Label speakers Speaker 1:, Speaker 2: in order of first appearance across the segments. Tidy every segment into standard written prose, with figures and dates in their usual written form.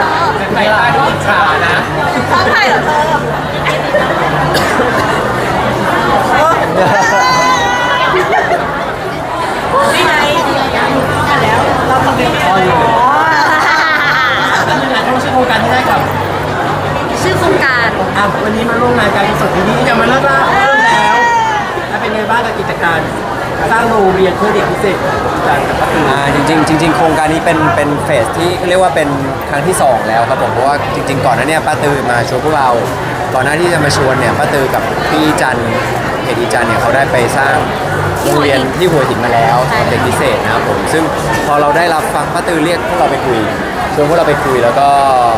Speaker 1: ใส่ตาที่อิจฉานะ
Speaker 2: ท้องไข่เหรอเธอนี่ไงแล้วเราทำเป็นอ๋อ
Speaker 1: ต้องชื่อโครงการที่ได้กับ
Speaker 3: ชื่อโครงการ
Speaker 1: วันนี้มาร่วมงานการกุศลที่นี่จะมาเริ่มแล้วแล้วเป็นไงบ้างกับกิจการสร้างโรงเรียนเพื่อเด็กพิเศษจากประตู
Speaker 4: จริงโครงการนี้เป็นเฟสที่เรียกว่าเป็นครั้งที่2แล้วครับผมเพราะว่าจริงๆก่อนหน้านี้ป้าตือมาชวนพวกเราก่อนหน้าที่จะมาชวนเนี่ยป้าตือกับพี่จันเพจอีจันเนี่ยเขาได้ไปสร้างโรงเรียนที่หัวหินมาแล้วสำหรับเด็กพิเศษนะครับผมซึ่งพอเราได้รับฟังป้าตือเรียกพวกเราไปคุยชวนพวกเราไปคุยแล้วก็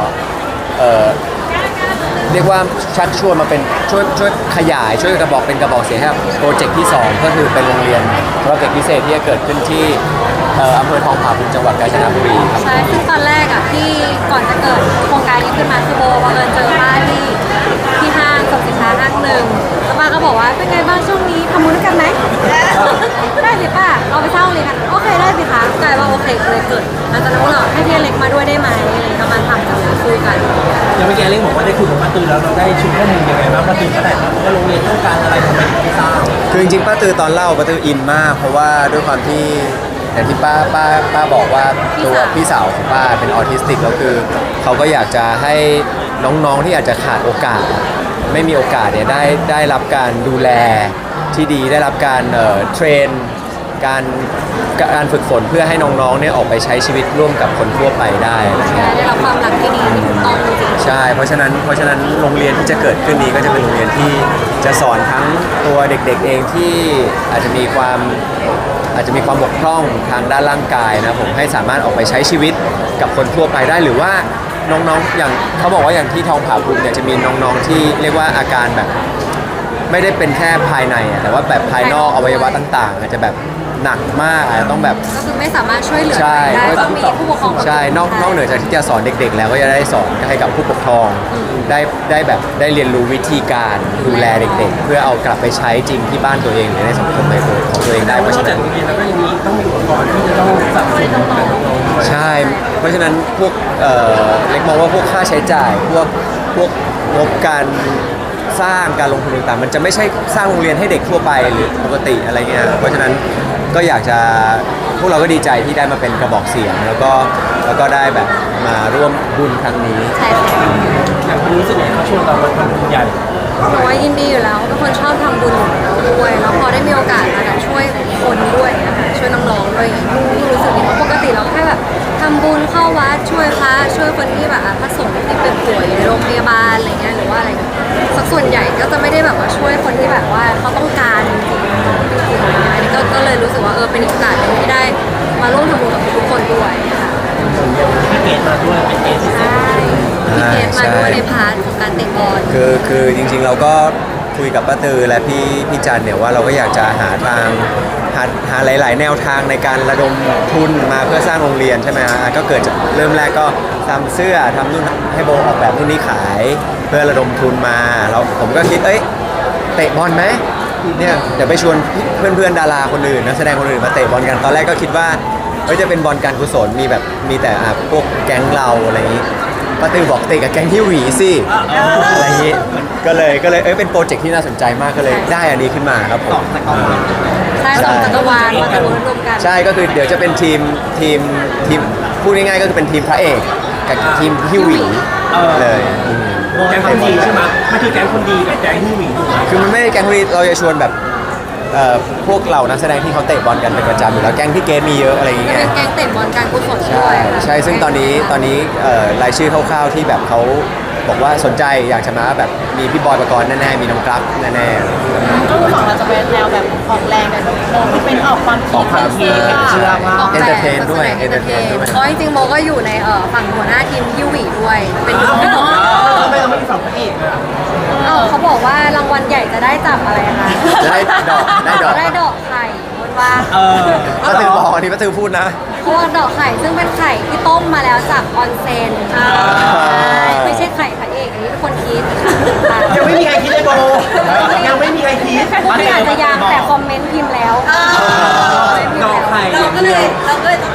Speaker 4: เรียกว่าชักชวนมาเป็นช่วยขยายช่วยกระบอกเป็นกระบอกเสียงให้กับโปรเจกต์ที่2ก็คือเป็นโรงเรียนสำหรับเด็กพิเศษที่จะเกิดขึ้นที่อำเภอทองผาภูมิจังหวัดกาญจนบุรีครับ
Speaker 3: ใช่ซึ่งตอนแรกอ่ะที่ก่อนจะเกิดโครงการนี้ขึ้นมาคือโบบังเอิญเจอป้าที่ห้างสรรพสินค้าห้างหนึ่งแล้วป้าก็บอกว่าเป็นไงบ้างช่วงนี้ทำบุญด้วยกันไหมได้สิป้าเราไปเช่าเลยกันโอเคได้สิคะกลายว่าโอเคเลยเกิดหลังจากนั้นพวกเราให้พี่เล็กมาด้วยได้ไหมอะไรก็มาทำกันคุยกัน
Speaker 1: ยังไม่แกเล่นบอกว่าได้คุยกับป้าตือแล้วเราได้ชุดข้อมูลยังไงบ้างป้าตือเขาแต่ว่าโรงเรียนต้องการอะไรทำไมถึงไม่สร้าง
Speaker 4: คือจริงๆป้าตือตอนเล่าป้าตืออินมากเพราะว่าด้วยความที่อย่างที่ป้าบอกว่าตัวพี่สาวของป้าเป็นออทิสติกแล้วคือเขาก็อยากจะให้น้องๆที่อาจจะขาดโอกาสไม่มีโอกาสเนี่ยได้รับการดูแลที่ดีได้รับการเทรนการฝึกฝนเพื่อให้น้องๆเนี่ยออกไปใช้ชีวิตร่วมกับคนทั่วไปได้อะไรเงี้ย
Speaker 3: ได้รับความรักที่ดีที่ถูกต้องจริง
Speaker 4: ใช่เพราะฉะนั้นโรงเรียนที่จะเกิดขึ้นนี้ก็จะเป็นโรงเรียนที่จะสอนทั้งตัวเด็กๆเองที่อาจจะมีความบกพร่องทางด้านร่างกายนะผมให้สามารถออกไปใช้ชีวิตกับคนทั่วไปได้หรือว่าน้องๆอย่างเขาบอกว่าอย่างที่ทองผาภูมิเนี่ยจะมีน้องๆที่เรียกว่าอาการแบบไม่ได้เป็นแค่ภายในแต่ว่าแบบภายนอกอวัยวะต่างๆอาจจะแบบหนักมากอาจจะต้องแบบ
Speaker 3: ก็คือไม่สามารถช่วยเหลือ
Speaker 4: ได้
Speaker 3: ต้องมีผู้ปกครอง
Speaker 4: ใช่นอกเหนือจากที่จะสอนเด็กๆแล้วก็จะได้สอนให้กับผู้ปกครองได้เรียนรู้วิธีการดูแลเด็กๆเพื่อเอากลับไปใช้จริงที่บ้านตัวเองหรือในสังคมของตัวเองได้เพราะฉะนั้น
Speaker 1: โรงเรียนแล้วก็ยังมีต้องมีอุปกรณ์ที่จะต้องสนับสนุนน้องๆ
Speaker 4: ใช่เพราะฉะนั้นพวกเล็กมองว่าพวกค่าใช้จ่ายพวกงบการสร้างการลงทุนต่างๆมันจะไม่ใช่สร้างโรงเรียนให้เด็กทั่วไปหรือปกติอะไรเงี้ยเพราะฉะนั้นก็อยากจะพวกเราก็ดีใจที่ได้มาเป็นกระบอกเสียงแล้วก็ได้แบบมาร่วมบุญครั้งนี้
Speaker 3: ใช่ค่ะ
Speaker 1: อย่างคุณรู้สึกไงเขาชวนเรามาทำบุญใหญ่
Speaker 3: หนูว่ายินดีอยู่แล้วเป็นคนชอบทำบุญด้วยแล้วพอได้มีโอกาสมาช่วยคนด้วยนะคะช่วยน้องๆด้วยยิ่งรู้สึกดีเพราะปกติเราแค่แบบทำบุญเข้าวัดช่วยพระช่วยคนที่แบบพระสงฆ์ที่เป็นป่วยอยู่ในโรงพยาบาลอะไรเงี้ยหรือว่าอะไรสักส่วนใหญ่ก็จะไม่ได้แบบว่าช่วยคนที่แบบว่าเขาต้องการจริงๆอันนี้ก็เลยรู้สึกว่าเป็นโอกาสหนึ่งที่ได้มาร่วมทำบุญกับทุกคนด้วยค่ะ
Speaker 1: พี่เกดมาด้วยเป็นเกดที่สุด
Speaker 3: พี่เกดมาด้วยในพาร์ทของการเตะบอล
Speaker 4: คือจริงๆเราก็คุยกับป้าตือและพี่จันเนี่ยว่าเราก็อยากจะหาหลายๆแนวทางในการระดมทุนมาเพื่อสร้างโรงเรียนใช่ไหมฮะก็เกิดจากเริ่มแรกก็ทำเสื้อทำนู่นให้โบออกแบบนู่นนี่ขายเพื่อระดมทุนมาแล้วผมก็คิดเตะบอลไหมเนี่ยเดี๋ยวไปชวนเพื่อนๆดาราคนอื่นนักแสดงคนอื่นมาเตะบอลกันตอนแรกก็คิดว่าจะเป็นบอลการกุศลมีแต่พวกแก๊งเราอะไรอย่างนี้ป้าตือบอกเตะกับแก๊งที่หวีสิอะไรอย่างนี้ก็เลยเป็นโปรเจกต์ที่น่าสนใจมากก็เลยได้อันนี้ขึ้นมาครับผม
Speaker 3: ใช่สองจักรวาลมาตะวันรวมกัน
Speaker 4: ใช่ก็คือเดี๋ยวจะเป็นทีมพูดง่ายๆก็คือเป็นทีมพระเอกกับทีมที่หวีเลย
Speaker 1: แก๊งคนดีใช่ไหมมันคือแก๊งคนดีกับแก๊งที่หวี
Speaker 4: คือมันไม่ได้แก๊งคนดีเราจะชวนแบบพวกเหล่านักแสดงที่เขาเตะบอลกันเป็นประจำอยู่แล้วแก๊งที่เกมมีเยอะอะไรอย่างเงี้ย
Speaker 3: เป็นแก๊งเตะบอลการกุศลด้วย
Speaker 4: ใช่ซึ่งตอนนี้รายชื่อคร่าวๆที่แบบเขาบอกว่าสนใจอยากจะมาแบบมีพี่บอยปกรณ์แน่ๆมีน้องกรัฟแน่
Speaker 2: ๆก็ของเราจะเป็นแนวแบบออกแรงกันที่เป็นออกความคิด
Speaker 4: เชื่อว่าเอนเตอร์เทนด้วย
Speaker 3: เพราะจริงๆโมก็อยู่ในฝั่งหัวหน้าทีมฮิววีด้วยเป็น
Speaker 1: ทำไมเราไม่ได้ฝั่งพระเอก
Speaker 3: เขาบอกว่ารางวัลใหญ่จะได้จับอะไรคะ
Speaker 4: ได้ด
Speaker 3: อกไข่พูดว่า
Speaker 4: ป้าตือบอกอันนี้ป้าตือพูดนะ
Speaker 3: เพราะว่าดอกไข่ซึ่งเป็นไข่ที่ต้มมาแล้วจากออนเซนไม่ใช่ไข่พระเอกอันนี้ทุกคนคิด
Speaker 1: ยังไม่มีใครคิดเลยโบยังไม่มีใครคิด
Speaker 3: ไม่อาจจะยังแต่คอมเมนต์พิมพ์แล้ว
Speaker 1: ดอกไข่
Speaker 2: เราก็เลยต้องชนะ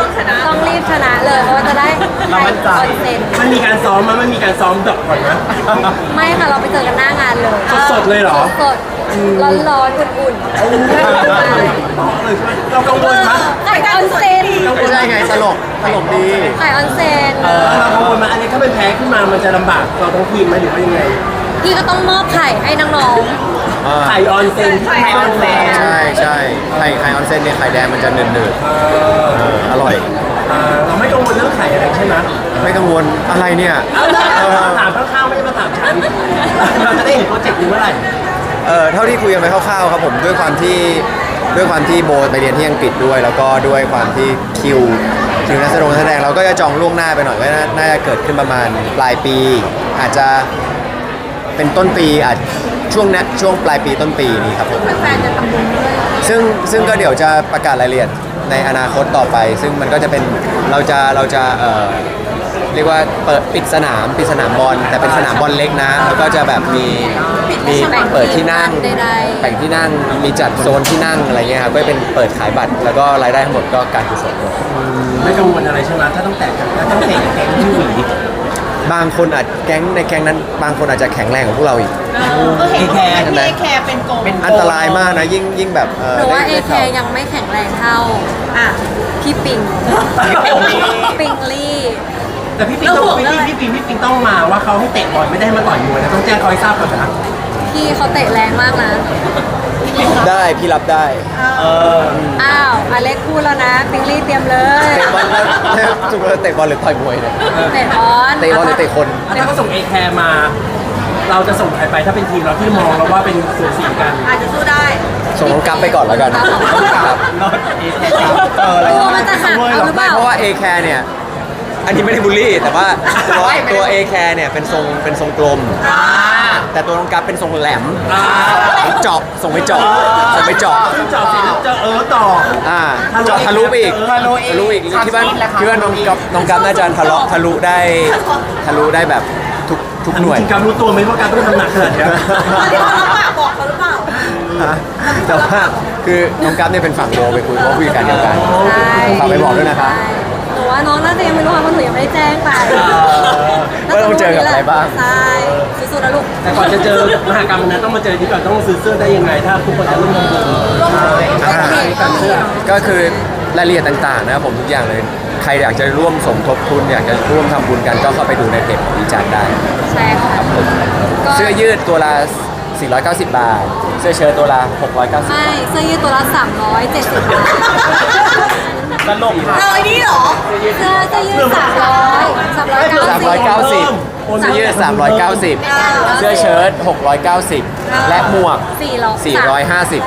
Speaker 3: ต้องรีบชนะเลยเพราะว่าจะได้ไป
Speaker 1: เรามั่นใจ
Speaker 3: ออนเซ็น
Speaker 1: มันมีการซ้อมมั้ยมันมีการซ้อมดอกก่อนนะ
Speaker 3: ไม่ค่ะเราไปเจอกันหน้างานเลย
Speaker 1: สดๆเลยเหรอ
Speaker 3: สดๆร้อนๆอุ่นๆ
Speaker 1: เรากังวลมั้ย
Speaker 3: ไข่ออนเซ็น
Speaker 4: ไม่ใช่ไงตลกดี
Speaker 3: ไข่ออนเซ็น
Speaker 1: เรากังวลมั้ยอันนี้ถ้าเป็นแพ้ขึ้นมามันจะลำบากเราทั้งทีมไหมหรือว่ายังไง
Speaker 3: พี่ก็ต้องมอบไข่ให้น้อง
Speaker 4: อ่า
Speaker 1: ไข่ออนเซนไข่ออนเซน
Speaker 4: ใช่ใช่ไข่ออนเซนเนี่ยไข่แดงมันจะหนืดๆอร่อย
Speaker 1: เราไม่กังวลเรื่องไข่อะไรใช่ไหม
Speaker 4: ไม่กังวลอะไรเนี่ย
Speaker 1: เอาถามข้างๆไม่ได้มาถามฉันเราจะได้เห็นโปรเจกต์นี้เมื่อไหร่
Speaker 4: เท่าที่คุยกันไปคร่าวๆครับผมด้วยความที่โบไปเรียนที่อังกฤษด้วย แล้วก็ด้วยความที่คิวนักแสดงเราก็จะจองล่วงหน้าไปหน่อยก็น่าจะเกิดขึ้นประมาณปลายปี อาจจะเป็นต้นปีอาจช่วงปลายปีต้นปีนี้ครับผม
Speaker 3: ๆแฟนๆจะทำบุญด้วย
Speaker 4: ซึ่งก็เดี๋ยวจะประกาศรายละเอียดในอนาคตต่อไป ซึ่งมันก็จะเป็นเราจะเรียกว่าปิดสนามบอลแต่เป็นสนามบอลเล็กนะแล้วก็จะแบบมีเปิดที่นั่งแบ่งที่นั่งมีจัดโซนที่นั่งอะไรเงี้ยครับก็เป็นเปิดขายบัตรแล้วก็รายได้ทั้งหมดก็การกุศลหมด
Speaker 1: ไม่กังวลอะไรใช่ไหมถ้าต้องแตกกันถ้าต้องเตะกับแก๊งที่หวี
Speaker 4: บางคนอาจแก๊งนั้นบางคนอาจจะแข็งแรงกว่าพวกเราอีก
Speaker 2: ก็เห็นว่าพี่เอแคร์เป็นโกง
Speaker 4: อันตรายมากนะยิ่งแบบ
Speaker 3: หนูว่าเอ
Speaker 4: ได้
Speaker 3: เค
Speaker 4: ข่าว
Speaker 3: ยังไม่แข็งแรงเท่า
Speaker 2: อ่ะ
Speaker 3: พี่ปิงปิงลี่
Speaker 1: แต่พี่ปิงต้องมาว่าเขาให้เตะบอลไม่ได้ให้มาต่อยมวยนะต้องแจ้งเขาให้ทราบก่อนนะ
Speaker 3: พี่เขาเตะแรงมากนะ
Speaker 4: ได้พี่รับได้
Speaker 3: อ้าวอเล็กพูดแล้วนะปิงลี่เตรียมเลย
Speaker 4: เตะบอลแล้วจุกเตะบอลหรือต่อยมวยเนี่ย
Speaker 3: เตะบอล
Speaker 4: เตะบอลหรือเตะคน
Speaker 1: ถ้าเขาส่งเอแคร์มา เราจะส่งใครไปถ้าเป็นทีมเราที่มองเราว่าเป็นสูสีกัน
Speaker 2: อาจจะสู้ได้
Speaker 4: ส่งน้องกั๊บไปก่อนแล้วกันครับ
Speaker 1: รอดเอแคร์
Speaker 3: ตัวมันจะหักเอาหรือเป
Speaker 4: ไม่
Speaker 3: ล่า
Speaker 4: เพราะว่า A care เนี่ย อันนี้ไม่ได้บูลลี่ แต่ว่าตัว A care เนี่ยเป็นทรงกลม แต่ตัวน้องกั๊บเป็นทรงแหลมเจาะส่งไปเจาะ
Speaker 1: เจาะเสร็จแล้วเจาะต่อ
Speaker 4: เจาะทะลุไปอีกคิดว่าน้องกั๊บน่าจะทะลุได้แบบทุกหน่วย
Speaker 1: จริงๆการรู้ตัวไหมว่าการต้องทำหนักขนาดนี้
Speaker 2: ที่เขารับปากบอกเขาหรือเปล่า
Speaker 4: แต่ว่าคือน้องกั๊บเนี่ยเป็นฝั่งโบไปคุยเพราะคุยกันเดียวกัน
Speaker 3: ใช่
Speaker 4: ฝากไปบอกด้วยนะครับ
Speaker 3: ใช่หนูว่าน้องน่าจะยังไม่รู้ค่ะเพราะหนูยังไม่ได้แจ้งไป
Speaker 4: ว่าต้องเจอกับอะไรบ้าง
Speaker 3: ใช่สู้ๆนะลูก
Speaker 1: แต่ก่อนจะเจอมหากรรมนั้นต้องมาเจอที่ก่อนต้องซื้อเสื้อได้ยังไง ถ้าทุกคนจะร่วมทำบุญ
Speaker 4: ก็คือรายละเอียดต่างๆนะครับผมทุกอย่างเลย ใครอยากจะร่วมสมทบทุนอยากจะร่วมทำบุญกันก็เข้าไปดูในเพจของวิจารณ์ได้
Speaker 3: ใช่ค่ะก็
Speaker 4: เสื้อยืดตัวละ 490 บาท เสื้อเชิ้ตตัวละ 690
Speaker 3: ไม่เสื้อยืดตัวละ370 บาท
Speaker 1: ตลก
Speaker 2: เราไอ้นี่เหรอ
Speaker 3: เสื้อยืด390
Speaker 4: เสื้อยืด 390 เสื้อเชิ้ต690 และหมวก 450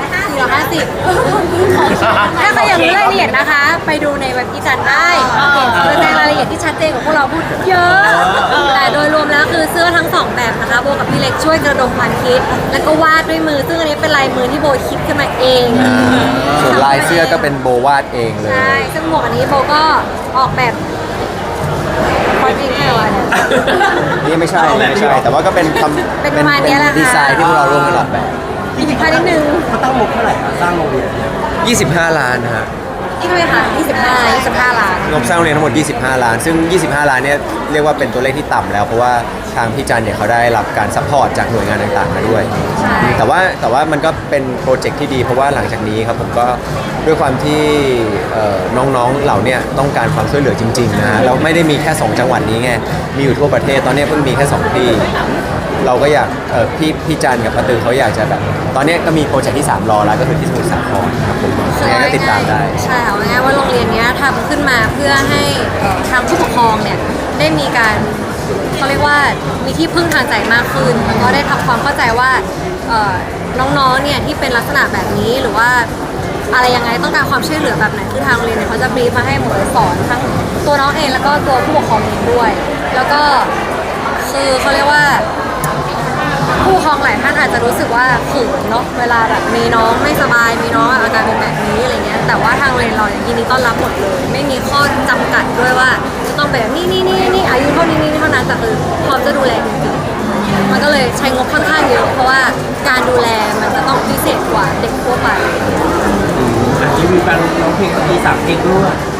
Speaker 3: ถ้าใครอยากรู้รายละเอียดนะคะ ไปดูในเว็บที่จันได้แสดงรายละเอียดที่ชัดเจนของพวกเราพูดเยอะ แต่โดยรวมแล้วคือเสื้อทั้งสองแบบนะคะโบกับพี่เล็กช่วยกระดมความคิด แล้วก็วาดด้วยมือ ซึ่งอันนี้เป็นลายมือที่โบคิดขึ้นมาเอง
Speaker 4: ส่วนลายเสื้อก็เป็นโบวาดเองเลย
Speaker 3: ใช่ซึ่งหมวกอันนี้โบก็ออกแบบคอนจริงแค่ว่าเนี่ย
Speaker 4: นี่ไม่ใช่ แต่ว่าก็เป็น
Speaker 3: เป็นประมาณเนี้ยแหละค่ะ
Speaker 4: ดีไซน์ที่พวกเราร่วมกันออกแบบ
Speaker 3: อีกพานิดนึง
Speaker 1: เขาตั้งงบเท่าไหร่อะสร้างโรงเรียน
Speaker 4: 25 ล้านนะฮะ
Speaker 3: นี่ด้วยค่ะ25 ล้าน
Speaker 4: งบสร้างโรงเรียนทั้งหมด 25 ล้าน ซึ่ง 25 ล้านเนี่ยเรียกว่าเป็นตัวเลขที่ต่ำแล้ว เพราะว่าทางพี่จันเนี่ยเขาได้รับการซัพพอร์ตจากหน่วยงานต่างๆมาด้วย
Speaker 3: ใช่
Speaker 4: แต่ว่ามันก็เป็นโปรเจกต์ที่ดี เพราะว่าหลังจากนี้ครับผมก็ด้วยความที่น้องๆเหล่าเนี่ยต้องการความช่วยเหลือจริงๆนะฮะแล้วไม่ได้มีแค่ 2 จังหวัดนี้ไง มีอยู่ทั่วประเทศ ตอนนี้เพิ่งมีแค่ 2 ที่ เราก็อยากพี่จันกับป้าตือเขาอยากจะแบบ ตอนนี้ก็มีโปรเจกต์ที่ 3 รอแล้วก็คือที่สมุทรสาครครับผมยังไงก็ติดตามได้
Speaker 3: ใช่ค่ะว่าง่ายว่าโรงเรียนเนี้ยทำขึ้นมาเพื่อให้ทางผู้ปกครองเนี่ยได้มีการเขาเรียกว่ามีที่พึ่งทางใจมากขึ้นแล้วก็ได้ทำความเข้าใจว่าน้องๆเนี่ยที่เป็นลักษณะแบบนี้หรือว่าอะไรยังไงต้องการความช่วยเหลือแบบไหนคือทางโรงเรียนเนี่ยเขาจะบรีฟมาให้หมดเลยสอนทั้งตัวน้องเองแล้วก็ตัวผู้ปกครองเองด้วย แล้วก็คือเขาเรียกว่า ผู้ปกครองหลายท่านอาจจะรู้สึกว่าเขินเนาะเวลาแบบมีน้องไม่สบายมีน้องอาการเป็นแบบนี้อะไรเงี้ยแต่ว่าทางโรงเรียนเราเนี่ยยินดีต้อนรับหมดเลย ไม่มีข้อจำกัดด้วยว่าจะต้องเป็นแบบนี่อายุเท่านี้เท่านั้นแต่คือพร้อมจะดูแลจริงๆมันก็เลยใช้งบค่อนข้างเยอะเพราะว่าการดูแลมันจะต้องพิเศษกว่าเด็กทั่วไป
Speaker 1: รีวิวการร้องเพลงตี3เพลงด้วย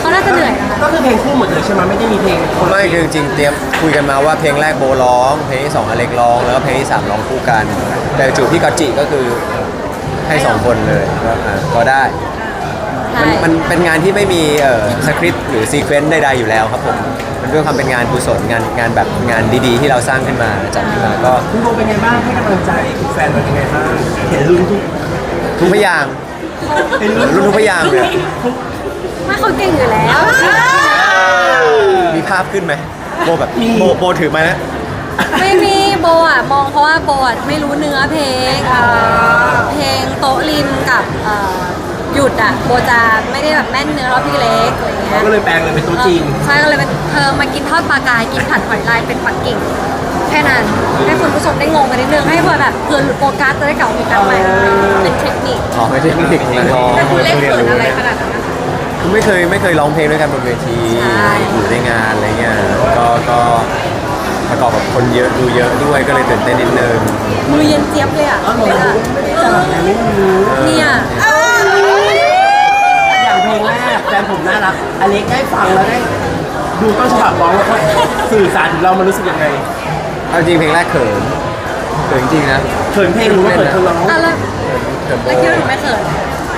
Speaker 3: เขาน่าจะเหนื่อยนะคะ
Speaker 1: ก็คือเพลงคู่หมดเลยใช่ไหมไม่ได้มีเพลงคนละ
Speaker 4: ไม่คือจริงๆเตรียมคุยกันมาว่าเพลงแรกโบร้องเพลงที่สองอเล็กร้องแล้วก็เพลงที่สามร้องคู่กัน แต่จูบพี่กอตจิก็คือให้สองคนเลยก็ได้
Speaker 3: ใช่
Speaker 4: มันเป็นงานที่ไม่มีสคริปต์หรือซีเควนต์ใดๆอยู่แล้วครับผมมันด้วยความเป็นงานกุศลงานแบบงานดีๆ ที่เราสร้างขึ้นมาจัดขึ้นมาก็
Speaker 1: คุณโบเป็นไงบ้างให้กำลังใจคุณแฟนเราเป็นไงบ้างเห็นลุ้นทุก
Speaker 4: ทุกพยางค์
Speaker 1: เห็น
Speaker 4: รุ่นทุกพยางค์เลย
Speaker 3: ไม่เขาเก่งอยู่แล้ว
Speaker 4: มีภาพขึ้นไหมโบแบบโบถือมานะ
Speaker 3: ไม่มีโบอ่ะมองเพราะว่าโบอ่ะไม่รู้เนื้อเพลงเพลงโต๊ะริมกับหยุดอ่ะโบจะไม่ได้แบบแม่นเนื้อรอบพี่เล็กอะไรเงี้ย
Speaker 1: ก็เลยแปลงเลยเป็นตัวจริง
Speaker 3: ใช่ก็เลยเป็นเธอมากินทอดปลากายกินผัดหอยลายเป็นปักกิ่งแค่นั้นให้คุณผู้ชมได้งงกันนิดนึงให้เพื่อแบบเพื่อหลุดโฟกัสจะได้กลับมาโฟกัสใหม่เป็นเทคนิค
Speaker 4: อ๋อไม่ใช่เทคนิคร้อง
Speaker 3: แต่คุณเล็กเขินอะไรขนาดนั้น
Speaker 4: คือไม่เคยร้องเพลงด้วยกันบนเวที
Speaker 3: ใช่
Speaker 4: อยู่ในงานอะไรเงี้ยก็ประกอบกับคนเยอะดูเยอะด้วยก็เลยตื่นเต้นนิดนึง
Speaker 3: มือเย็นเจี๊ยบเลยอ่ะ
Speaker 1: อ๋อเหรอไม่ได้จับแต่ไม่รู้
Speaker 3: เนี่ย
Speaker 1: อย่างเพลงแรกแฟนผมน่ารักอเล็กได้ฟังแล้วได้ดูต้นฉบับร้องแล้วเขาสื่อสารถึงเรามันรู้สึกยังไง
Speaker 4: เอาจริงเพลงแรกเขินจริงๆนะ
Speaker 1: เขินเพลงหรือว่าเขินคนร้อง
Speaker 3: อ่ะแล้ว
Speaker 4: เขินโบ
Speaker 3: แล้วคิดว่าหนูไม่เขิน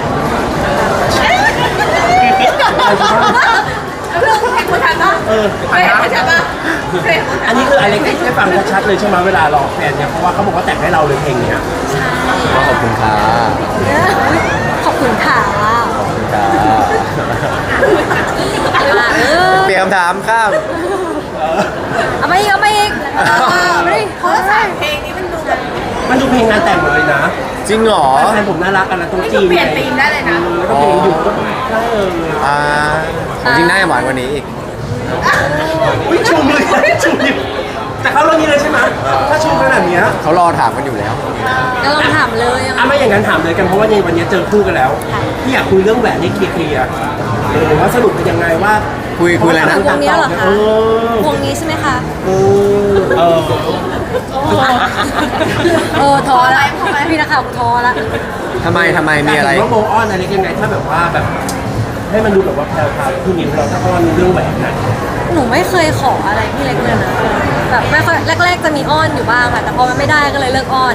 Speaker 1: เอออันนี้คืออเล็กได้ฟังชัดๆเลยใช่ไหมเวลาร้องแฟนเนี่ยเพราะว่าเขาบอกว่าแต่งให้เราเลยเพลงเนี้ย
Speaker 4: ก็ขอบคุณค่ะ
Speaker 3: อุ๊ยขอบคุณค่ะ
Speaker 4: ขอบคุณค่ะ
Speaker 3: เป
Speaker 4: เปลี่ยนคำถามข้าม
Speaker 3: เอาไปอีกเอาไปอีกเอาไปดิเขาจะใส่เพลงนี้
Speaker 1: มันดูเพลงงานแต่งหมดเลยนะ
Speaker 4: จริงเหรอ
Speaker 1: แฟนผมน่ารักกันนะต้องจีน
Speaker 2: เปลี่ยนธีมได้เลยนะ
Speaker 1: แล้วก็เพลงหยุดก็ใช่
Speaker 4: จริงน่าจะหวานกว่านี้อีก
Speaker 1: อุ้ยชูมือชูนิ้วแต่เขาเรื่องนี้เลยใช่ไหมถ้าชูขนาดเนี้ย
Speaker 4: เขารอถามกันอยู่แล้ว
Speaker 3: ก็ลองถามเลย
Speaker 1: อ่ะไม่อย่างนั้นถามเลยกันเพราะว่าในวันนี้เจอคู่กันแล้วพี่อยากคุยเรื่องแหวนให้เคลียร์ว่าสรุปเป็นยังไงว่า
Speaker 4: คุยอะไรนะ
Speaker 3: วงนี้เหรอคะ
Speaker 1: เออ
Speaker 3: วงนี้ใช่ไหมคะ
Speaker 1: เออ
Speaker 3: ท้อละพี่นักข่าวท้อละ
Speaker 4: ทำไมมีอะไร
Speaker 1: ว่าโบอ้อนอะไรยังไงถ้าแบบว่าแบบ ให้มันดูแบบว่าแพรวๆที่นิ้วเราถ้าอ้อนเรื่องแหวนนะ
Speaker 3: หนูไม่เคยขออะไรพี่เล็กเลยนะแบบไม่ค่อยแรกๆจะมีอ้อนอยู่บ้างค่ะแต่พอมันไม่ได้ก็เลยเลิกอ้อน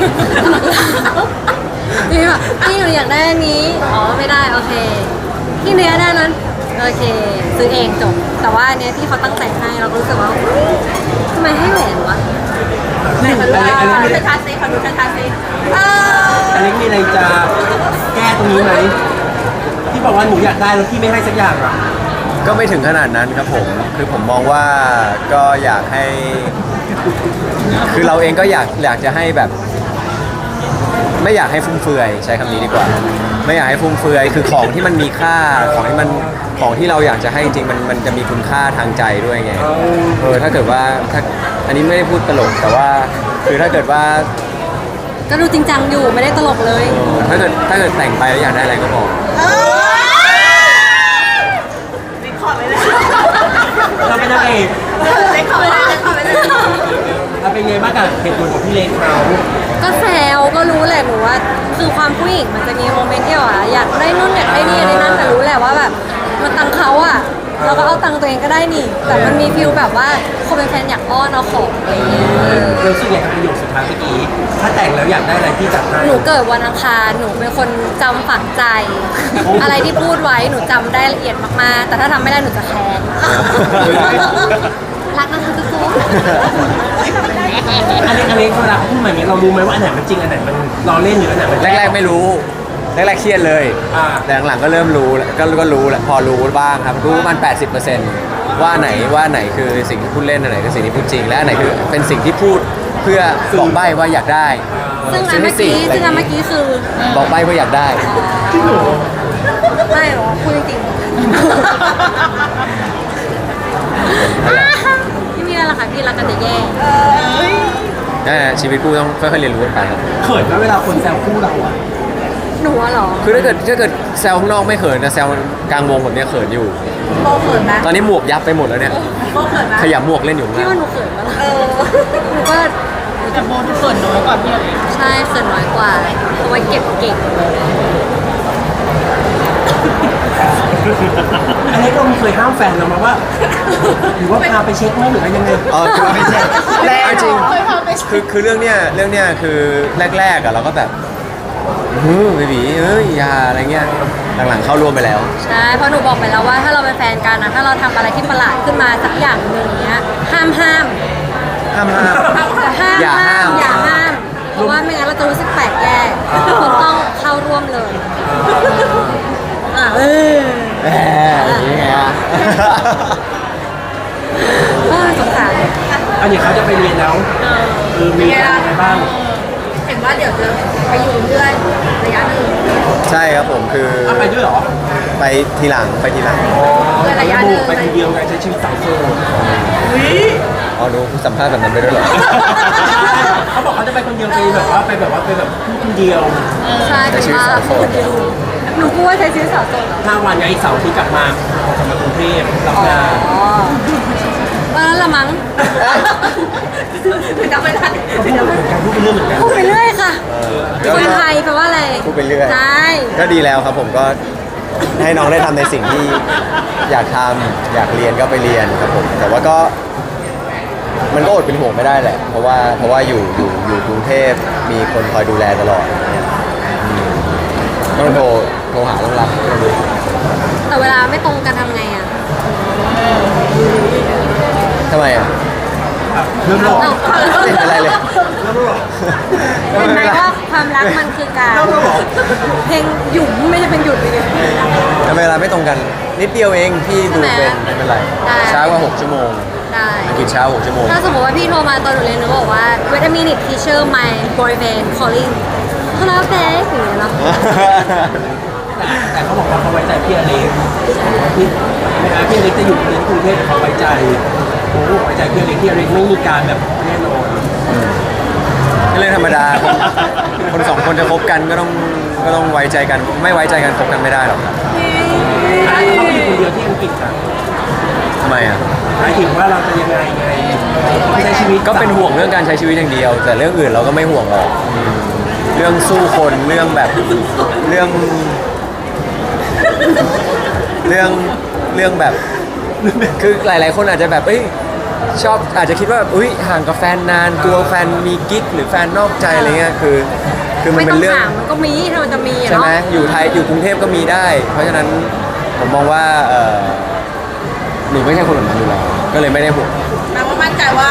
Speaker 3: พี่แบบพี่หนูอยากได้อันนี้อ๋อไม่ได้โอเคพี่เนื้อได้นั้นโอเคซื้อเองจบแต่ว่าอันเนี้ยที่เขาตั้งใจให้เราก็รู้สึกว่าทำไมให้แหวนวะ
Speaker 1: นี่อเล็ก
Speaker 2: ชัดๆสิขอดูชัดๆสิ
Speaker 1: อเล็กมีอะไรจะแก้ตรงนี้ไหมที่บอกว่าหนูอยากได้แล้วพี่ไม่ให้สักอย่างอ่ะ
Speaker 4: ก็ไม่ถึงขนาดนั้นครับผม คือผมมองว่าก็อยากให้ คือเราเองก็อยากจะให้แบบ ไม่อยากให้ฟุ่มเฟือยใช้คำนี้ดีกว่า ไม่อยากให้ฟุ่มเฟือยคือของที่มันมีค่าของที่เราอยากจะให้จริงๆมันจะมีคุณค่าทางใจด้วยไงถ้าเกิดว่าอันนี้ไม่ได้พูดตลกแต่ว่าคือถ้าเกิดว่า
Speaker 3: ก็ดูจริงจังอยู่ไม่ได้ตลกเลย
Speaker 4: ถ้าเกิดแต่งไปแล้วอยากได้อะไรก็บอก
Speaker 1: เราเป็นนางเอก
Speaker 2: เล็กขอไปเลยเล็กขอไปเลย
Speaker 1: เราเป็นไงบ้างกับเหตุผลของพี่เล็กเขา
Speaker 3: ก็แซวก็รู้แหละหนูว่าคือความผู้หญิงมันจะมีโมเมนต์ที่ว่าอยากได้นู่นอยากได้นี่อันนี้นั่นแต่รู้แหละว่าแบบมันตังค์เขาอะเราก็เอาตังค์ตัวเองก็ได้นี่ แต่มันมีฟิลแบบว่าคนเป็นแฟนอยากอ้อนเอาของอะไรอย่างเงี้ย
Speaker 1: เราสึกอย่างกับประโยคสุดท้ายเมื่อกี้ถ้าแต่งแล้วอยากได้อะไรพี่จัดให้
Speaker 3: หนูเกิดวันอังคารหนูเป็นคนจำฝังใจ อะไรที่พูดไว้หนูจำได้ละเอียดมากๆ แต่ถ้าทำไม่ได้หนูจะแค้นรักนะคะทุกคน
Speaker 1: อเล็กเวลาเขาพูดมาอย่างนี้เรารู้ไหมว่าอันไหนมันจริงอันไหนมันล้อเล่นหรืออันไหนมัน
Speaker 4: แรกๆไม่รู้แรกๆเครียดเลย แต่หลังๆก็เริ่มรู้แล้วก็รู้แหละพอรู้บ้างครับรู้ประมัน 80%ว่าไหนคือสิ่งที่พูดเล่นอันไหนคือสิ่งที่พูดจริงและอันไหนคือเป็นสิ่งที่พูดเพื่อบอกใบ้ว่าอยากได้
Speaker 3: ซึ่งอันเมื่อกี้คือ
Speaker 4: บอกใบ้ว่าอยากได้
Speaker 3: ไม่หรอพูดจริงพี่มีอะไรล่ะคะพี่รักกันจะแย่
Speaker 4: ชีวิตคู่ต้องค่อยๆเรียนรู้กันไปครับ
Speaker 1: เขินไหมเวลาคนแซวคู่เราอะ
Speaker 3: หนูอะเหรอ
Speaker 4: คือถ้าเกิดแซวข้างนอกไม่เขินนะแซวกลางวงแบบเนี้ยเขินอยู่
Speaker 2: โบเขินไหม
Speaker 4: ตอนนี้หมวกยับไปหมดแล้วเนี่ย
Speaker 2: โบเขินไหม
Speaker 4: ขยับหมวกเล่นอยู่
Speaker 3: พี่
Speaker 4: นะ
Speaker 3: ว่าหนูเขินปะล่ะหนูก็
Speaker 2: แต่โบเขินน้อยกว่าพี่เลย
Speaker 3: ใช่เขินน้อยกว่าเอาไว้เก็บเก่ง
Speaker 1: อันนี้เราเคยห้ามแฟนเรามาว่า หรือว่าพาไปเช็คไหมหรือว่ายังไง
Speaker 4: อ๋อคือไม่ใช่
Speaker 2: แรก
Speaker 4: จริง
Speaker 2: เคยพาไป
Speaker 4: คือเรื่องเนี้ยคือแรกๆอะเราก็แบบเบบีอย่าอะไรเงี้ยหลังๆเข้าร่วมไปแล้ว
Speaker 3: ใช่เพราะหนูบอกไปแล้วว่าถ้าเราเป็นแฟนกันนะถ้าเราทำอะไรที่ประหลาดขึ้นมาสักอย่างหนึ่งเนี้ยห้าม
Speaker 4: ห้าม อย่าห้าม
Speaker 3: อย่าห้าม เพราะว่าไม่งั้นเราจะรู้สึกแปลกแยกคุณต้องเข้าร่วมเลยเออ
Speaker 4: แหมอย่างนี้ไงอะ
Speaker 3: สงสาร
Speaker 1: อันนี้เขาจะไปเรียนแล้วมีอะไรบ้าง
Speaker 3: เห็นว่าเดี๋ยวจะไปอยู่เรื่อยระยะหนึ่ง
Speaker 4: ใช่ครับผมคือ
Speaker 1: ไปด้วยเหรอ
Speaker 4: ไปทีหลัง
Speaker 3: เพื่อระยะหนึ่ง
Speaker 1: ไปคนเดียวไงใช้ชีวิตสาวโสด
Speaker 4: อ๋อดูสัมภาษณ์แบบนั้นไปด้วยเหรอ
Speaker 1: เขาบอกเขาจะไปคนเดียวไปแบบว่าไปแบบพูดคนเดียว
Speaker 3: ใช่เป็นว่าคนเดียวหนูพูดว่าใช้ชีวิตสาวโสดเหรอ
Speaker 1: 5 วันไงเสาร์ที่กลับมากรุงเทพรับงาน
Speaker 3: อ๋อวันนั้นละมั้งจำไม่ได้
Speaker 1: เขาพูดเหมือนกันพูดเป็นเรื่องเหมือนกัน
Speaker 3: พูดไปเรื่อยค่ะ
Speaker 4: ก็
Speaker 3: คนไทยแปลว่าอะไร
Speaker 4: พูดไปเรื่อย
Speaker 3: ใช่
Speaker 4: ก็ดีแล้วครับผมก็ให้น้องได้ทำในสิ่งที่อยากทำอยากเรียนก็ไปเรียนครับผม แต่ว่าก็มันก็อดเป็นห่วงไม่ได้แหละ เพราะว่าอยู่กรุงเทพมีคนคอยดูแลตลอดอย่างเงี้ยต้องโทรหาต้องรับ
Speaker 3: แต่เวลาไม่ตรงกันทำไงอ่ะ
Speaker 4: ทำไมอ่ะ
Speaker 1: เรื่องหลอก
Speaker 3: เอ้า
Speaker 4: ไม่เป็นไรเลย
Speaker 1: เรื่องหลอก
Speaker 3: เห็นไหมว่าความรักมันคือการเพลงหยุ่มไม่ใช่เป็นหยุดเลย
Speaker 4: แต่เวลาไม่ตรงกันนิดเดียวเองพี่ดูเป็นไม่เป็นไร
Speaker 3: ได้
Speaker 4: ช้ากว่า6 ชั่วโมง
Speaker 3: ได้
Speaker 4: อังกฤษช้า6 ชั่วโมง
Speaker 3: ถ้าสมมติว่าพี่โทรมาตอนหนูเรียนหนูบอกว่า wait a minute teacher my boyfriend calling hello babe อย่างเงี้ยเนาะ
Speaker 1: แต่เขาบอกว่าเขาไว้ใจพี่อเล็กพี่อเล็กจะอยู่เรียนกรุงเทพเขาไว้ใจโอ้ไว้ใจพี่อเล็กไม่มีการแบบแน่นอน
Speaker 4: ก็เรื่องธรรมดาคนสองคนจะคบกันก็ต้องไว้ใจกัน ไม่ไว้ใจกันคบกันไม่ได้หรอกครับ
Speaker 1: เขาอยู่คนเดียวที่อังกฤษค่ะ
Speaker 4: ทำไมอ่ะ
Speaker 1: หมายถึงว่าเราจะยังไงใช้ชีวิต
Speaker 4: ก็เป็นห่วงเรื่องการใช้ชีวิตอย่างเดียว แต่เรื่องอื่นเราก็ไม่ห่วงหรอกเรื่องสู้คนเรื่องแบบเรื่องแบบคือหลาย ๆ คนอาจจะแบบชอบอาจจะคิดว่าแบบห่างกับแฟนนานกลัวแฟนมีกิ๊กหรือแฟนนอกใจอะไรเงี้ยคือมัน
Speaker 3: ไม่
Speaker 4: เป็
Speaker 3: ต้อน ง
Speaker 4: เรื่อง
Speaker 3: ถามมันก็มีถ้ามันจะมีอะ
Speaker 4: ใช่ไหม
Speaker 3: เนาะ
Speaker 4: อยู่ไทยอยู่กรุงเทพก็มีได้ เพราะฉะนั้นผมมองว่าหนูไม่ใช่คนแบบนั้นอยู่แล้วก็เลยไม่ได้ห่วง
Speaker 2: แปลว่ามั่นใจว่า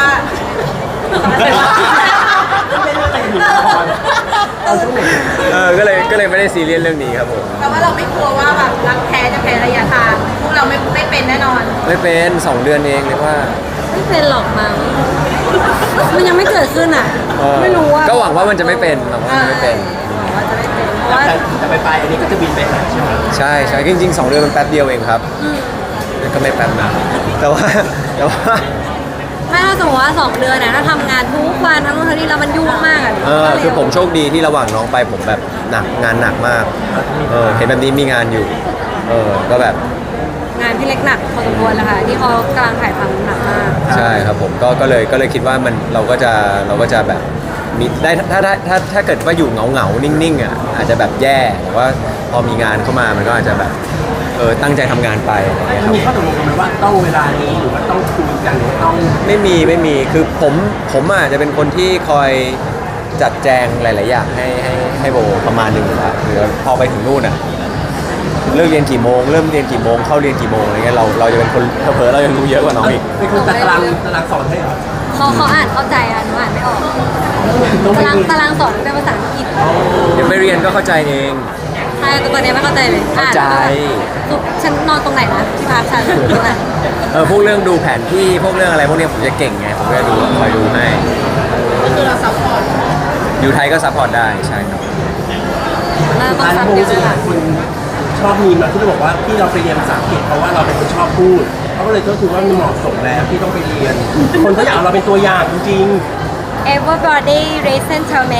Speaker 4: ก็เลยไม่ได้ซีเรียสเรื่องนี้ครับผม
Speaker 2: แปลว่าเราไม่กลัวว่าแบบรักแท้จะแพ้ระยะทางพวกเราไม่เป็นแน่นอน
Speaker 4: ไม่เป็น2 เดือนเองเลยว่า
Speaker 3: ไม่เป็นหรอกมั้งมันยังไม่เกิดขึ้นอ่ะ ไม่รู้ว่า
Speaker 4: ก็หวังว่ามันจะไม่เป็นหวังว่ามันจะไม่เป็น
Speaker 3: หวังว่าจะไม่เป็นเพราะว่า
Speaker 1: แต่ไปอันนี้ก็จะบินไปหาใช่ไหม
Speaker 4: ใช่จริงๆ2 เดือนมันแป๊บเดียวเองครับก็ไม่แป๊บนะแต่ว่า
Speaker 3: ไม่ถ้าสมมติว่า2 เดือนเนี่ยถ้าทำงานทุกวันทั้งวันทั้งนี้แล้วมันยุ่งมากอ่ะ
Speaker 4: คือผมโชคดีที่ระหว่างน้องไปผมแบบงานหนักมากเห็นแบบนี้มีงานอยู่ก็แบบ
Speaker 3: งานพี่เล็กหนักพอสมควรแล้วค่ะที่เขากำลังถ่ายทำหนักมาก
Speaker 4: ใช่ครับผมก็เลยคิดว่ามันเราก็จะแบบมีได้ถ้าเกิดว่าอยู่เหงานิ่งๆอ่ะอาจจะแบบแย่แต่ว่าพอมีงานเข้ามามันก็อาจจะแบบตั้งใจทำงานไปอะไรอย่างเงี้ยครับ
Speaker 1: มีข้อตกลงกันไหมว่าต้องเวลานี้หรือว่าต้องคุยกันหรือต้อง
Speaker 4: ไม่มีคือผมอาจจะเป็นคนที่คอยจัดแจงหลาย ๆ อย่างให้โบประมาณหนึงอยู่แล้วหรือพอไปถึงนู่นอ่ะเลิกเรียนกี่โมงเริ่มเรียนกี่โมงเข้าเรียนกี่โมงอะไรเงี้ยเราจะเป็นคนเผลอๆเรายังรู้เยอะกว่าน้องอีก
Speaker 1: เป็นคนตารางสอนให้เหรอ
Speaker 3: เขาอ่านเข้าใจอ่ะหนูอ่านไม่ออก
Speaker 1: ต้องไป
Speaker 3: ตารางสอนเป็นภาษาอังกฤษ
Speaker 4: เดี๋ยวไปเรียนก็เข้าใจเอง
Speaker 3: ใช่แต่ตอนนี้ไม่เข้าใจเลย
Speaker 4: เข้าใจ
Speaker 3: คือฉันนอนตรงไหนนะที่พักฉันตรงไหน
Speaker 4: พวกเรื่องดูแผนที่พวกเรื่องอะไรพวกเนี้ยผมจะเก่งไงผมก็จะคอยดูให้
Speaker 2: ก็คือเราซัพพอร์ต
Speaker 4: อยู่ไทยก็ซัพพอร์ตได้ใช่ครับ
Speaker 3: น่าต้อง
Speaker 1: ร้าน
Speaker 3: ซับ
Speaker 1: โม
Speaker 3: เยอะ
Speaker 1: สิ
Speaker 3: เลย
Speaker 1: หลา
Speaker 3: ค่ะ
Speaker 1: ยคนชอบมีมาที่เราบอกว่าที่เราไปเรียนภาษาอังกฤษเพราะว่าเราเป็นคนชอบพูดเขาก็เลยก็ถือว่ามันเหมาะสมแล้วที่ต้องไปเรียน คนเขาอยากเอาเราเป็นตัวอย่างจริง
Speaker 3: Everybody listen to me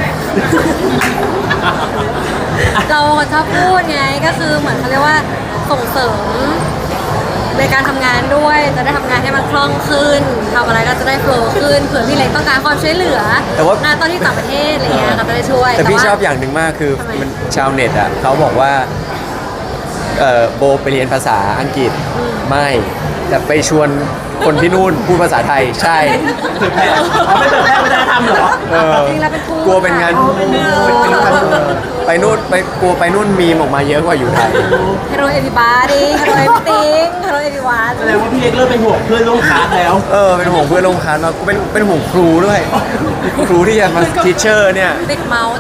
Speaker 3: เราคนชอบพูดไงก็คือเหมือนเขาเรียกว่าส่งเสริมในการทำงานด้วยจะได้ทำงานให้มันคล่องขึ้นทำอะไรก็จะได้โฟล์ขึ้นเผื่อพี่เล็กต้องการความช่วยเหลือ
Speaker 4: แต่ว่า
Speaker 3: งานตอนที่ต่างประเทศอะไรเงี้ยก็จะได้ช่วย
Speaker 4: แต่พี่
Speaker 3: ว่า
Speaker 4: ชอบอย่างหนึ่งมากคือ
Speaker 3: ทำไม
Speaker 4: มันชาวเน็ตอ่ะเขาบอกว่าโบไปเรียนภาษาอังกฤษไม่แต่ไปชวนคนที่นู่นพูดภาษาไทยใช่
Speaker 1: เผยแพร่ไม่เผยแพร่วัฒนธรรมเหรอ
Speaker 4: เออ
Speaker 3: จริงๆแล้วเป็นทูต
Speaker 4: กลัวเป็นงานไปนู่นกลัวไปนู่นมีมออกมาเยอะกว่าอยู่ไทย
Speaker 3: Hello everybody Hello everything Hello everyone
Speaker 1: แสดงว่าพี่เล็กเริ่มเป็นห่วงเพื่อนร่วมคลาสแล้ว
Speaker 4: เป็นห่วงเพื่อนร่วมคลาสมาเป็นห่วงครูด้วย ครูที่จะมาทีเชอร์เนี่ย
Speaker 3: ติดเมาส์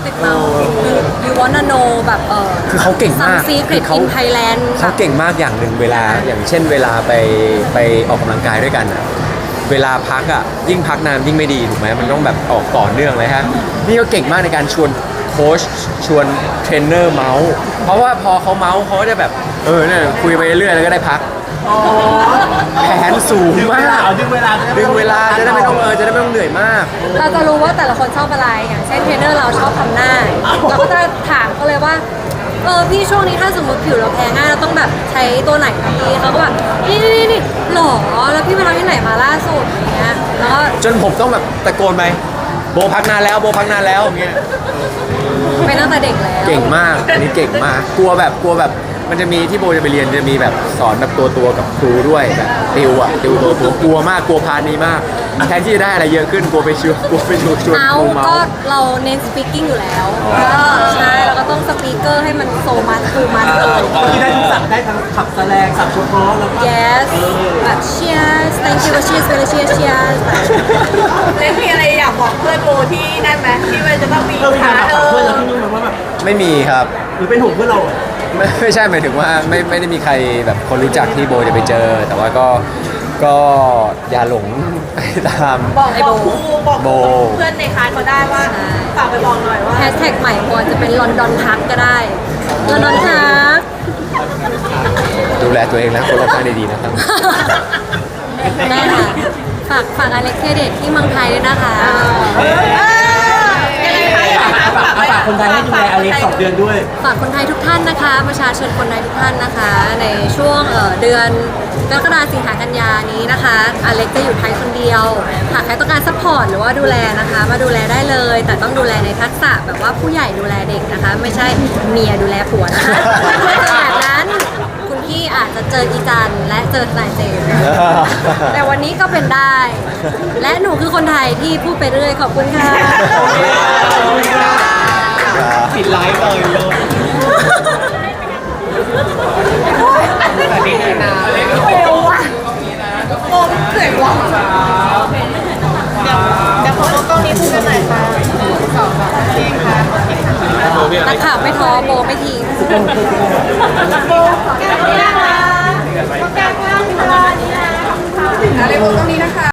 Speaker 3: you wanna know แบบ
Speaker 4: คือเขาเก่งมาก
Speaker 3: some secret
Speaker 4: เขา
Speaker 3: in Thailand
Speaker 4: เขาเก่งมากอย่างหนึ่งเวลาอย่างเช่นเวลาไปออกกำลังกายด้วยกันอะเวลาพักอะยิ่งพักนานยิ่งไม่ดีถูกไหมมันต้องแบบออกต่อเนื่องเลยฮะนี่ก็เก่งมากในการชวนโค้ชชวนเทรนเนอร์เมาส์เพราะว่าพอเขาเมาส์เขาก็จะแบบเนี่ยคุยไปเรื่อยแล้วก็ได้พัก
Speaker 1: อ๋อ
Speaker 4: แผนสูง
Speaker 1: ดึงเว
Speaker 4: มา
Speaker 1: ลาก ดึงเวลา
Speaker 4: ดึงเวลาจะได้ไม่ต้องจะได้ไม่ต้องเหนื่อยมาก
Speaker 3: เราจะรู้ว่าแต่ละคนชอบอะไรอย่างเช่นเทรนเนอร์เราชอบทำหน้า เราก็จะถามเขาเลยว่าพี่ช่วงนี้ถ้าสมมติผิวเราแพ้ง่ายเราต้องแบบใช้ตัวไหนดีเขาก็แบบนี่หรอแล้วพี่ไปทำที่ไหนมาล่าสุดอย่างเงี้ยแล้วก็
Speaker 4: จนผมต้องแบบตะโกนไปโบพักนานแล้วโบพักนานแล้วอย่างเงี้ย
Speaker 3: ไปตั้งแต่เด็กแล้ว
Speaker 4: เก่งมากอันนี้เก่งมากกลัวแบบมันจะมีที่โบจะไปเรียนจะมีแบบสอนแบบตัวกับครูด้วยแบบติวตัวกลัวมากกลัวพาร์ทนี้มากแทนที่จะได้อะไรเยอะขึ้นกลัวไปชวนครูเมา
Speaker 3: ก็
Speaker 4: ส์
Speaker 3: เราเน้น speaking อยู่แล้วใช่เราก็ต้องสปีกเกอร์ให้มันโซมัสคือมันเลย
Speaker 1: ที่ได้ทุกศัพท์ได้ทั้งขับแสลงศัพท์เฉพาะแล้วก็
Speaker 3: yes แบบ cheers thank you cheers very cheers
Speaker 2: เล็กมีอะไรอยากบอกเพื่อนโบที่นั่นไหมที่มันจะต้องมี
Speaker 1: มีการแบบเพื่อนเราที่นู่นมาว่าแบบ
Speaker 4: ไม่มีครับ
Speaker 1: หรือเป็นห่วงเพื่อนเรา
Speaker 4: ไม่ใช่หมายถึงว่าไม่ได้มีใครแบบคนรู้จักที่โบจะไปเจอ แต่ว่าก็อย่าหลงไปตาม
Speaker 2: บอกครูบอก
Speaker 4: โบ
Speaker 2: เพื่อนในคลาสเขาได้ว่าฝากไปบอกหน่อยว่า
Speaker 3: แฮชแท็กใหม่ควรจะเป็นลอนดอนพักก็ได้ลอนดอนพัก
Speaker 4: ดูแลตัวเองและคนรอบข้างดีๆนะครับ
Speaker 3: แม่ค่ะฝากอเล็กเทเดตที่เมืองไทยด้วยนะคะ
Speaker 2: ยังไงคะอยากฝาก
Speaker 1: ฝากคนไทยให้ดูแลอเล็ก2 เดือนด้วย
Speaker 3: ฝากคนไทยทุกท่านนะคะ ประชาชนคนไทยทุกท่านนะคะ ในช่วงเดือนกรกฎาคมสิงหากันยานี้นะคะอเล็กจะอยู่ไทยคนเดียวหากใครต้องการซัพพอร์ตหรือว่าดูแลนะคะ มาดูแลได้เลย แต่ต้องดูแลในทักษะแบบว่าผู้ใหญ่ดูแลเด็กนะคะ ไม่ใช่เมียดูแลผัวนะคะถ้าเจอแบบนั้นคุณพี่อาจจะเจออีจันและเจอทนายเจมส์แต่วันนี้ก็เป็นได้ และหนูคือคนไทยที่พูดไปเรื่อยขอบคุณค่ะ
Speaker 1: ปิดไลฟ์เลยสวัสดีนะ
Speaker 2: เร็วว่ะโอ้เสียงว่ะเดี๋ยวขอกล้องนี้พูดกันหน่อยค่ะ2 3เองค่ะ
Speaker 3: นักข่าวไม่ท้อโบไม่ทิ้ง
Speaker 2: โบแก้มล่างนะโบแก้มล่างค่ะนี่นะอะไรโบตรงนี้นะคะ